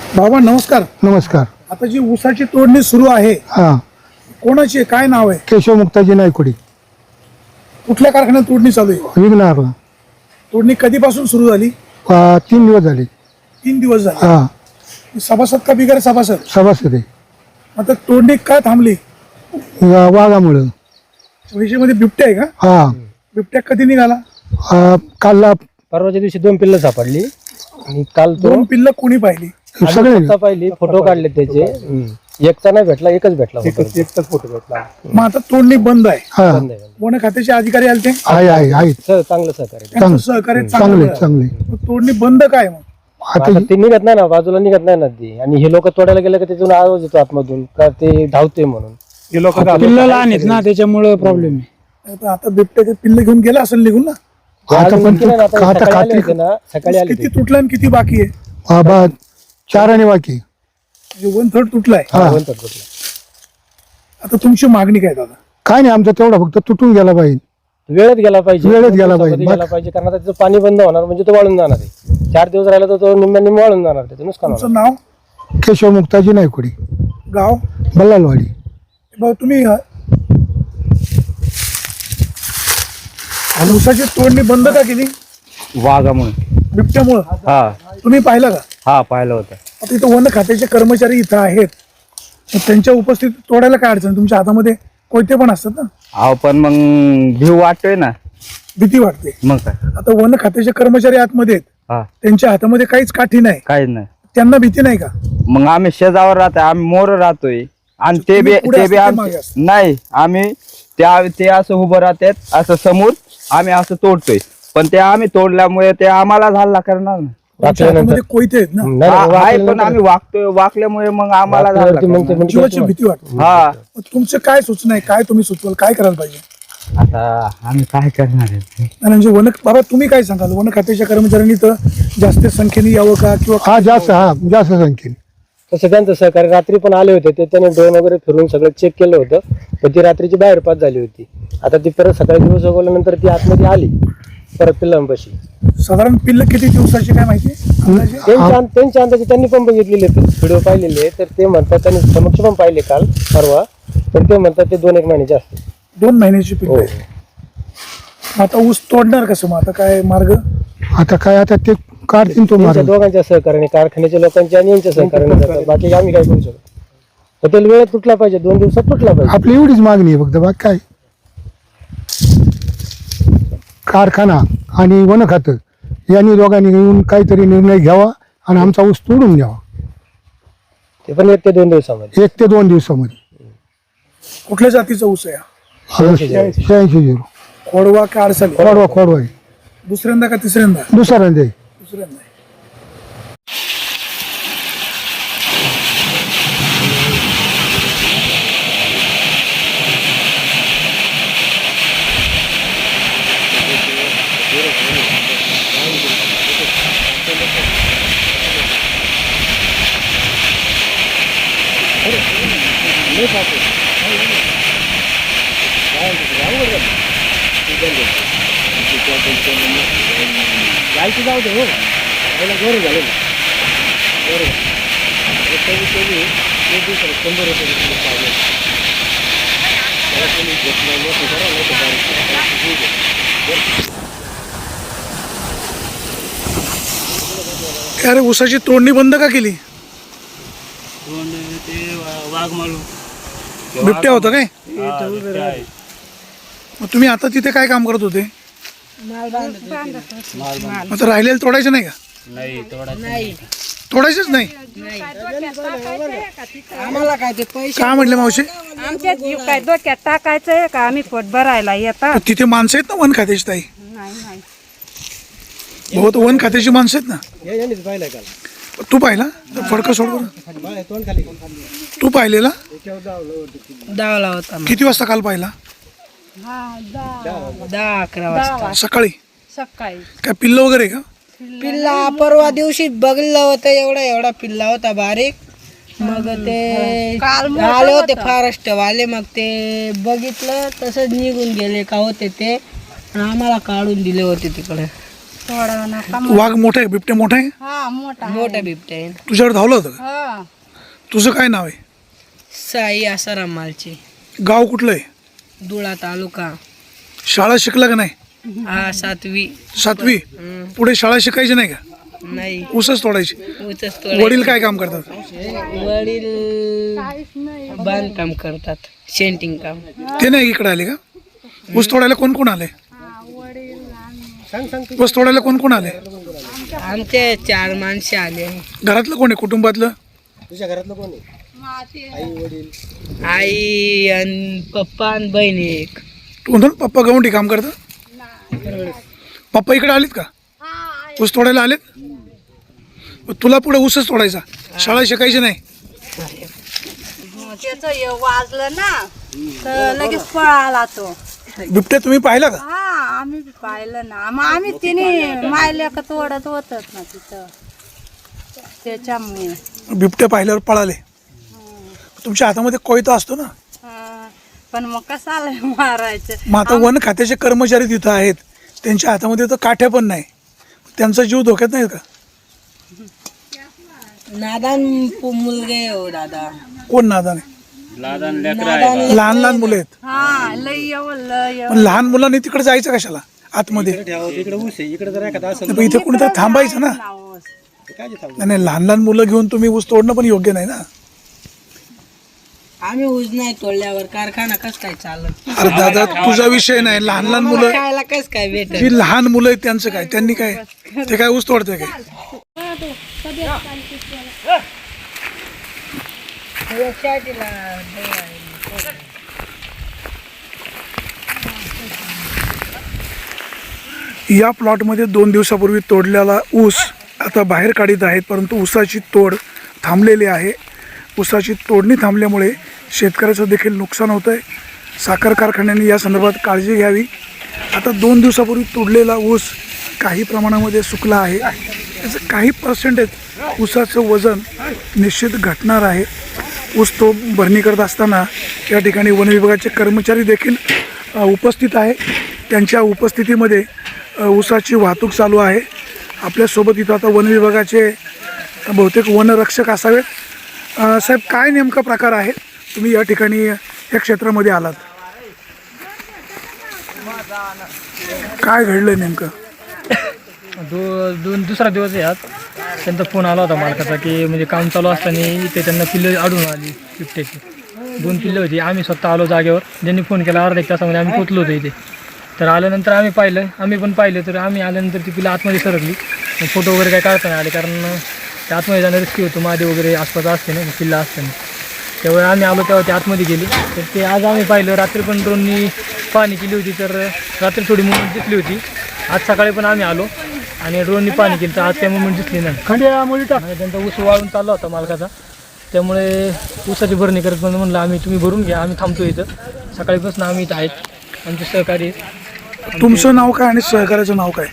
बाबा नमस्कार. नमस्कार. आता जी ऊसाची तोडणी सुरू आहे हा, कोणाची आहे? काय नाव आहे? केशव मुक्ताजी नायकोडी, कुठल्या कारखान्यात तोडणी चालू आहे? विघ्नहरला. तोडणी कधीपासून सुरू झाली? 3 दिवस झाले. 3 दिवस झाले. हा, सभासद का बिगर सभासद? सभासद आहे. आता तोडणी का थांबली? वाघामुळं. विषयमध्ये बिबट्या आहे का? हा, बिबट्या कधी निघाला? कालला परवाच्या दिवशी 2 पिल्लं सापडली आणि काल 2 पिल्लं कोणी पाहिली? सगळे पाहिली, फोटो काढले त्याचे. एकचा नाही भेटला, एकच भेटला. एकच फोटो भेटला. मग आता तोडणी बंद आहे. हा, वन खात्याचे अधिकारी आले ते आहे चांगलं सहकार्य. त्यांचं सहकार्य चांगले चांगलं. चांगले. मग तोडणी बंद काय मग? आता आता ते निघत नाही ना, बाजूला निघत नाही ना ती. आणि हे लोक तोडायला गेले का त्यातून आवाज येतो आतमधून का ते धावते म्हणून. हे लोक पिल्लं लहान आहेत ना, त्याच्यामुळे प्रॉब्लेम आहे. आता बिबट्याचे पिल्लं घेऊन गेला असेल निघून ना. आता पण निघते ना, आता आता सकाळी आले खात्री होते ना, सकाळी आले किती होते. तुटलं आणि किती बाकी आहे? 4 आणि बाकी. म्हणजे 1/3 तुटलाय. हा, म्हणतात कुठलं. आता तुमची मागणी काय दादा? काय नाही, आमचा तेवढा फक्त तुटून गेला पाहिजे. वेळेत गेला पाहिजे, वेळेत गेला दिवसामध्ये पाहिजे. गेला पाहिजे. कारण आता त्याचं पाणी बंद होणार म्हणजे तो वाळून जाणार आहे. 4 दिवस राहिला तर तो निम्म्याने वाळून जाणार, त्याचं नुकसान होणार. तुमचं नाव? केशव मुक्ताजी नायकोडी, गाव? बल्लालवाडी. भाऊ तुम्ही ऊसाची तोडणी बंद का केली? वाघामुळे. बिबट्यामुळं? हा तुम्ही पाहिलं का? हा पाहिलं होतं. आता इथं वन खात्याचे कर्मचारी इथं आहेत, मग त्यांच्या उपस्थितीत तोडायला काय अडचण? तुमच्या हातामध्ये कोयते पण असतात ना, अहो पण मग भीव वाटतोय ना. भीती वाटते. मग काय. आता वन खात्याचे कर्मचारी आतमध्ये आहेत, हा त्यांच्या हातामध्ये काहीच काठी नाही, काहीच नाही. त्यांना भीती नाही का? मग आम्ही शेजावर राहतोय, आम्ही मोर राहतोय आणि ते बी तुम्ही पुढे ते बी असता, ते मागे असता? नाही, आम्ही ते असं उभं राहतात असं समोर, आम्ही असं तोडतोय. पण ते आम्ही तोडल्यामुळे ते आम्हाला झाला करणार ना. त्यांच्या हातामध्ये कोयते आहेत ना, नाही, नाही, आहे वाकल्यानंतर- पण आम्ही वाकल्यामुळे मग आम्हाला झाला वाकल्यावरती मग ते करणार. म्हणजे जीवाची भीती वाटते. हा मग तुमचं काय सूचना आहे? काय तुम्ही सुचवाल? काय करायला पाहिजे? आता आम्ही काय करणार आहे? आणि म्हणजे वन बाबा तुम्ही काय सांगाल? वन खात्याच्या कर्मचाऱ्यांनी तर जास्त संख्येने यावं का? किंवा हा, जास्त संख्येने. तसं त्यांचं सहकार्य रात्री पण आले होते, ते त्याने ड्रोन वगैरे फिरून सगळं चेक केलं होतं. पण ती रात्रीची बाहेर पास झाली होती. आता ती परत सकाळी दिवस उगवल्यानंतर ती आतमध्ये आली परत पिल्लांपाशी. साधारण पिल्ल किती दिवसाची काय माहिती अंदाजे? त्यांच्या अंदाजे त्यांनी पण बघितलेले व्हिडिओ पाहिलेले, तर ते म्हणतात त्यांनी समक्ष पण पाहिले काल परवा, तर ते म्हणतात ते 2-1 महिन्याचे असते. 2 महिन्याची पिल्ल हो. आहे. आता ऊस तोडणार कसं? मग आता काय मार्ग? आता ते काढतील तो त्यांच्या मार्ग. दोघांच्या सहकार्याने, कारखान्याच्या लोकांच्या आणि यांच्या सहकार्याने जातात. बाकी आम्ही काय करू शकतो? तर ते वेळेत तुटला पाहिजे, 2 दिवसात तुटला पाहिजे. आपली एवढीच मागणी आहे फक्त, बाकी काय. कारखाना आणि वन खातं यांनी दोघांनी येऊन काहीतरी निर्णय घ्यावा आणि आमचा ऊस तोडून द्यावा ते पण 1 ते 2 दिवसामध्ये. 1 ते 2 दिवसामध्ये. कुठल्या जातीचा ऊस आहे? 86-0. खोडवा का अडसाली? खोडवा आहे. दुसऱ्यांदा का तिसऱ्यांदा? दुसऱ्यांदा आहे. दुसऱ्यांदा. अरे ऊसाची तोडणी बंद का केली? बिबट्या होता काय? मग तुम्ही आता तिथे काय काम करत होते? आता राहिलेलं तोडायचं नाही का? तोडायचंच नाही. आम्हाला काय ते पैसे काय म्हटले मावशी? आमच्या जीव काय डोक्यात टाकायचंय का? आम्ही पोट भरायला येतात. तिथे माणसं आहेत ना वन खात्याची ताई? नाही नाही बहुत वन खात्याची माणसं आहेत ना. पाहिलंय काल. तू पाहिला? फडकं सोड बरं. तू पाहिलेला? डावला होता किती वाजता काल पाहिला? 10-11 वाजता सकाळी? सकाळी. काय पिल्ल वगैरे का? पिल्ला परवा दिवशी बघलं होतं, एवढा पिल्ला होता बारीक. मग ते आले होते फॉरेस्ट वाले, मग ते बघितलं तसंच निघून गेले का होते ते, आणि आम्हाला काढून दिले होते तिकडे. सोडा नका वाघ मोठा आहे, बिबटे मोठा आहे? हा मोठा मोठा बिबट्या आहे. तुझ्यावर धावलं होतं का? हा तुझं काय नाव आहे? साई आसाराम मालचे, गाव कुठलं आहे? धुळा तालुका. शाळा शिकला का नाही? हा 7वी. 7वी? पुढे शाळा शिकायची नाही का? नाही, ऊसच तोडायची. ऊसच तोडायचं. वडील काय काम करतात? वडील बांधकाम करतात, शेंटिंग काम. ते नाही इकडे आले का? ऊस तोडायला कोण कोण आले? ऊस तोडायला कोण कोण आले? आमचे 4 माणसे आले. घरातलं कोण आहे कुटुंबातलं? आई आणि पप्पा आणि बहीण एक. म्हणून पप्पा गवंडी काम करतात? पप्पा इकडे आलेत का? ऊस तोडायला आलेत? मग तुला पुढे ऊसच तोडायचा, शाळा शिकायची नाही? त्याच वाजलं ना तर लगेच पळाला तो. बिबट्या तुम्ही पाहिला का? हा आम्ही बी पाहिलं ना, मग आम्ही तिने मायल्या का तोडत होतच ना तिथं, त्याच्यामुळे. बिबट्या पाहिल्यावर पळाले. तुमच्या हातामध्ये कोयता असतो ना? हा, पण मग कसाला मारायचं. मग आता वन खात्याचे कर्मचारी तिथं आहेत, त्यांच्या हातामध्ये तर काठ्या पण नाही, त्यांचा जीव धोक्यात नाही का? नादान मुलगे हो दादा. कोण नादान आहे? लहान लहान मुलं आहेत. हा लय लय पण लहान मुलांनी तिकडे जायचं कशाला आतमध्ये? पण इथे कुणीतरी थांबायचं ना. नाही, लहान लहान मुलं घेऊन तुम्ही ऊस तोडणं पण योग्य नाही ना. आम्ही ऊस नाही तोडल्यावर कारखाना कस काय चालत? अरे दादा, तुझा विषय नाही. लहान लहान मुलं, खायला कस काय भेटत? जी लहान मुलं आहेत त्यांचं काय? त्यांनी काय, ते काय ऊस तोडते काय? या प्लॉटमध्ये 2 दिवसापूर्वी तोडलेला ऊस आता बाहेर काढीत आहेत, परंतु ऊसाची तोड थांबलेली आहे. ऊसाची तोडणी थांबल्यामुळे शेतकऱ्याचं देखील नुकसान होतं आहे. साखर कारखान्यांनी या संदर्भात काळजी घ्यावी. आता 2 दिवसापूर्वी तोडलेला ऊस काही प्रमाणामध्ये सुकला आहे. त्याचं काही पर्सेंटेज ऊसाचं वजन निश्चित घटणार आहे. ऊस तो भरणी करत असताना या ठिकाणी वन विभागाचे कर्मचारी देखील उपस्थित आहे. त्यांच्या उपस्थितीमध्ये ऊसाची वाहतूक चालू आहे. आपल्यासोबत इथं आता वन विभागाचे बहुतेक वनरक्षक असावेत. साहेब, काय नेमका प्रकार आहे? तुम्ही या ठिकाणी या क्षेत्रामध्ये आलात, काय घडलं नेमकं? दुसरा दिवस आहे आज. त्यांचा फोन आला होता मालकाचा की म्हणजे काम चालू असताना इथे त्यांना पिल्लं आढळून आली बिबट्याची. 2 पिल्लं होती. आम्ही स्वतः आलो जागेवर. ज्यांनी फोन केला अर्धा 1 तासामध्ये आम्ही पोचलो होतो इथे. तर आल्यानंतर आम्ही पण पाहिलं तर आम्ही आल्यानंतर ती पिल्लं आतमध्ये सरकली. फोटो वगैरे काय काढता नाही आले, कारण त्या आतमध्ये जाणं रिस्की होतं. महादेव वगैरे आसपास असते ना पिल्लं असते ना, त्यामुळे आम्ही आलो तेव्हा ते आतमध्ये गेली. तर ते आज आम्ही पाहिलं. रात्री पण ड्रोननी पाहणी केली होती, तर रात्री थोडी मुवमेंट दिसली होती. आज सकाळी पण आम्ही आलो आणि ड्रोननी पाहणी केली, तर आज काही मुवमेंट दिसली नाही. आणि त्यांचा ऊस वाळून चालला होता मालकाचा, त्यामुळे ऊसाची भरणी करत म्हणलं आम्ही तुम्ही भरून घ्या, आम्ही थांबतो इथं. सकाळीपासून आम्ही इथं आहेत. आमचे सहकारी. तुमचं नाव काय आणि सहकार्याचं नाव काय?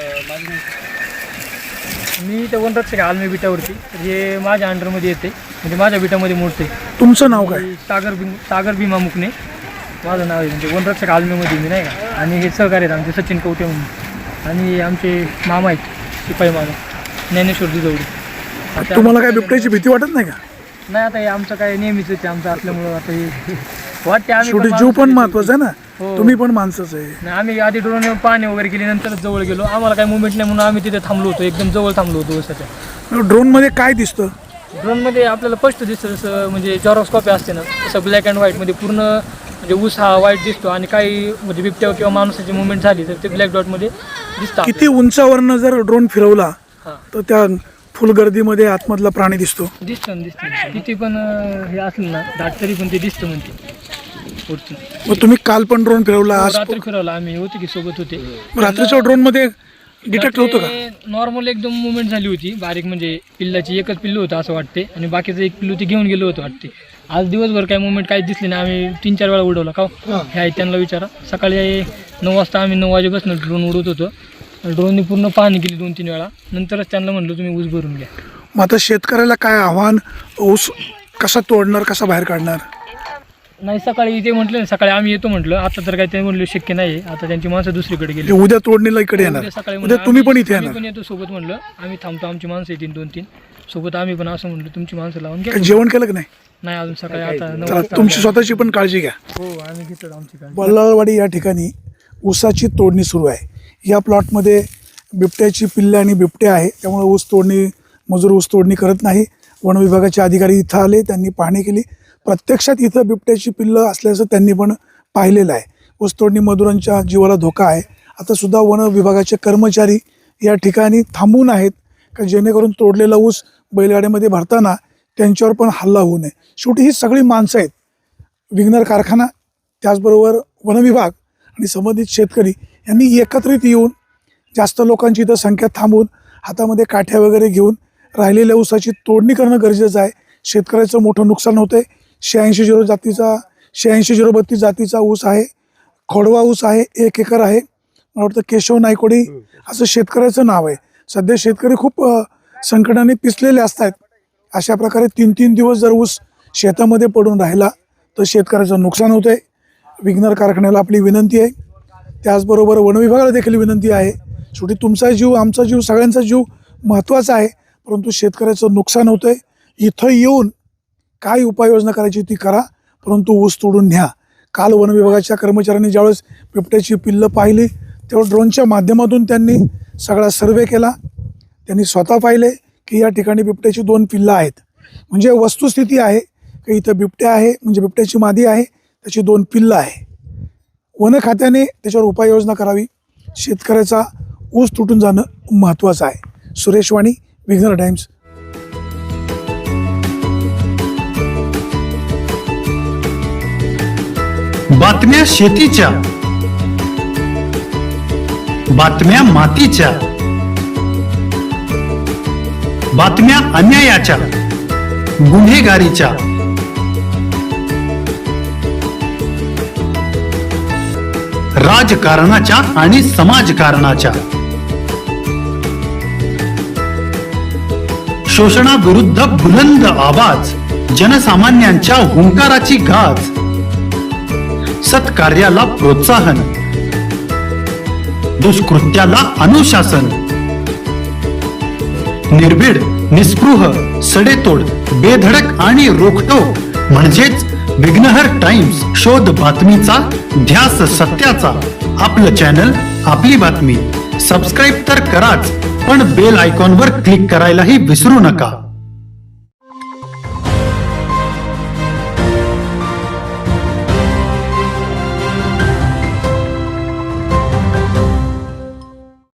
मी इथं वनरक्षक आहे आलमी बिटावरती. हे माझ्या अंडरमध्ये येते, म्हणजे माझ्या बिटामध्ये मोडते. तुमचं नाव काय? सागर भीमा मुकणे माझं नाव आहे. म्हणजे वनरक्षक आलमीमध्ये मी नाही का. आणि हे सहकारी आहेत आमचे सचिन कवटे म्हणून, आणि आमचे मामा आहेत शिपाई मामा ज्ञानेश्वर दुधवडी. तुम्हाला काय बिबट्याची भीती वाटत नाही का? नाही, आता हे आमचं काय नेहमीच आहे आमचं असल्यामुळं आता हे वाटते. आम्ही शेवटी जीव पण महत्वाचा आहे ना. तुम्ही पण माणसंच आहे. नाही, आम्ही आधी ड्रोन पाणी वगैरे केली, नंतरच जवळ गेलो. आम्हाला काही मुवमेंट नाही म्हणून आम्ही तिथे थांबलो होतो. एकदम जवळ थांबलो होतो ऊसाच्या. ड्रोन मध्ये काय दिसतं? ड्रोनमध्ये आपल्याला स्पष्ट दिसतं, जसं म्हणजे जॉरोस्कॉपी असते ना, तसं ब्लॅक अँड व्हाईटमध्ये पूर्ण म्हणजे ऊस हा व्हाईट दिसतो. आणि काही म्हणजे बिबट्या किंवा माणसाची मुवमेंट झाली तर ते ब्लॅक डॉटमध्ये दिसतं. किती उंचावरनं जर ड्रोन फिरवला तर त्या फुल गर्दीमध्ये आतमधला प्राणी दिसतो. दिसतं किती पण हे असलं ना दाट तरी पण ते दिसतं म्हणते. मग तुम्ही काल पण ड्रोन फिरवला, आज रात्री फिरवला आम्ही, होते की सोबत होते. रात्रीच्या ड्रोन मध्ये डिटेक्ट होतं का? नॉर्मल एकदम मुवमेंट झाली होती बारीक, म्हणजे पिल्लाची एकच पिल्लू होतं असं वाटते, आणि बाकीचं एक पिल्लू ते घेऊन गेलो होतं वाटते. आज दिवसभर काही मुवमेंट काहीच दिसली नाही. आम्ही 3-4 वेळा उडवला का हे आहे त्यांना विचारा. सकाळी 9 वाजता आम्ही 9 वाजेपासून ड्रोन उडवत होतो. ड्रोनने पूर्ण पाहणी केली 2-3 वेळा. नंतरच त्यांना म्हणलं तुम्ही ऊस भरून घ्या. मग आता शेतकऱ्याला काय आव्हान? ऊस कसा तोडणार, कसा बाहेर काढणार? नाही सकाळी ते म्हटलं ना, सकाळी आम्ही येतो म्हटलं. आता तर काही ते म्हणलं शक्य नाही. आता त्यांची माणसं दुसरीकडे गेली. म्हणजे उद्या तोडणीला इकडे येणार, उद्या सकाळी उद्या म्हणलं तुम्ही पण आम्ही- इथे आम्ही येणार. पण येतो सोबत म्हणलं. आम्ही थांबतो, आमची माणसं येतील 2-3 सोबत. आम्ही पण असं म्हणलं तुमची माणसं लावून घ्या. काही जेवण केलं की नाही? नाही अजून सकाळी आता 9 चला वाजता. तुमची स्वतःची पण काळजी घ्या. हो आम्ही घेतो आमची काळजी. बल्लाळवाडी या ठिकाणी ऊसाची तोडणी सुरू आहे. या प्लॉटमध्ये बिबट्याची पिल्ले आणि बिबटे आहे, त्यामुळे ऊस तोडणी मजूर ऊस तोडणी करत नाही. वन विभागाचे अधिकारी इथं आले, त्यांनी पाहणी केली. प्रत्यक्षात इथं बिबट्याची पिल्लं असल्याचं त्यांनी पण पाहिलेलं आहे. ऊस तोडणी मजुरांच्या जीवाला धोका आहे. आता सुद्धा वन विभागाचे कर्मचारी या ठिकाणी थांबून आहेत का जेणेकरून तोडलेला ऊस बैलगाड्यामध्ये भरताना त्यांच्यावर पण हल्ला होऊ नये. शेवटी ही सगळी माणसं आहेत. विघ्नर कारखाना, त्याचबरोबर वन विभाग आणि संबंधित शेतकरी यांनी एकत्रित येऊन जास्त लोकांची इथं संख्या थांबून हातामध्ये काठ्या वगैरे घेऊन राहिलेल्या ऊसाची तोडणी करणं गरजेचं आहे. शेतकऱ्याचं मोठं नुकसान होतं आहे. 86-032 जातीचा ऊस आहे, खोडवा ऊस आहे, 1 एकर आहे. मला वाटतं केशव नायकोडी असं शेतकऱ्याचं नाव आहे. सध्या शेतकरी खूप संकटाने पिसलेले असतात. अशा प्रकारे 3-3 दिवस जर ऊस शेतामध्ये पडून राहिला तर शेतकऱ्याचं नुकसान होतं आहे. विघ्नर कारखान्याला आपली विनंती आहे, त्याचबरोबर वन विभागाला देखील विनंती आहे. शेवटी तुमचा जीव, आमचा जीव, सगळ्यांचा जीव महत्त्वाचा आहे, परंतु शेतकऱ्याचं नुकसान होतं आहे. इथं येऊन काय उपाययोजना करायची ती करा, परंतु ऊस तोडून न्या. काल वन विभागाच्या कर्मचाऱ्यांनी ज्यावेळेस बिबट्याची पिल्लं पाहिली तेव्हा ड्रोनच्या माध्यमातून त्यांनी सगळा सर्वे केला. त्यांनी स्वतः पाहिले की या ठिकाणी बिबट्याची 2 पिल्लं आहेत. म्हणजे वस्तुस्थिती आहे की इथं बिबट्या आहे, म्हणजे बिबट्याची मादी आहे, त्याची 2 पिल्लं आहे. वन खात्याने त्याच्यावर उपाययोजना करावी. शेतकऱ्याचा ऊस तुटून जाणं महत्त्वाचं आहे. सुरेश वाणी, विघ्नर टाइम्स. बातम्या शेतीच्या, बातम्या मातीच्या, बातम्या अन्यायाच्या, गुन्हेगारीच्या, राजकारणाच्या आणि समाजकारणाच्या, शोषणाविरुद्ध बुलंद आवाज, जनसामान्यांच्या हुंकाराची गाज, सत्कार्याला प्रोत्साहन, दुष्कृत्याला अनुशासन, निर्भीड, निस्पृह, सडेतोड, बेधडक आणि रोखटोक म्हणजेच विघ्नहर टाइम्स. शोध बातमीचा, ध्यास सत्याचा. आपलं चॅनल, आपली बातमी. सबस्क्राईब तर कराच, पण बेल आयकॉनवर क्लिक करायलाही विसरू नका.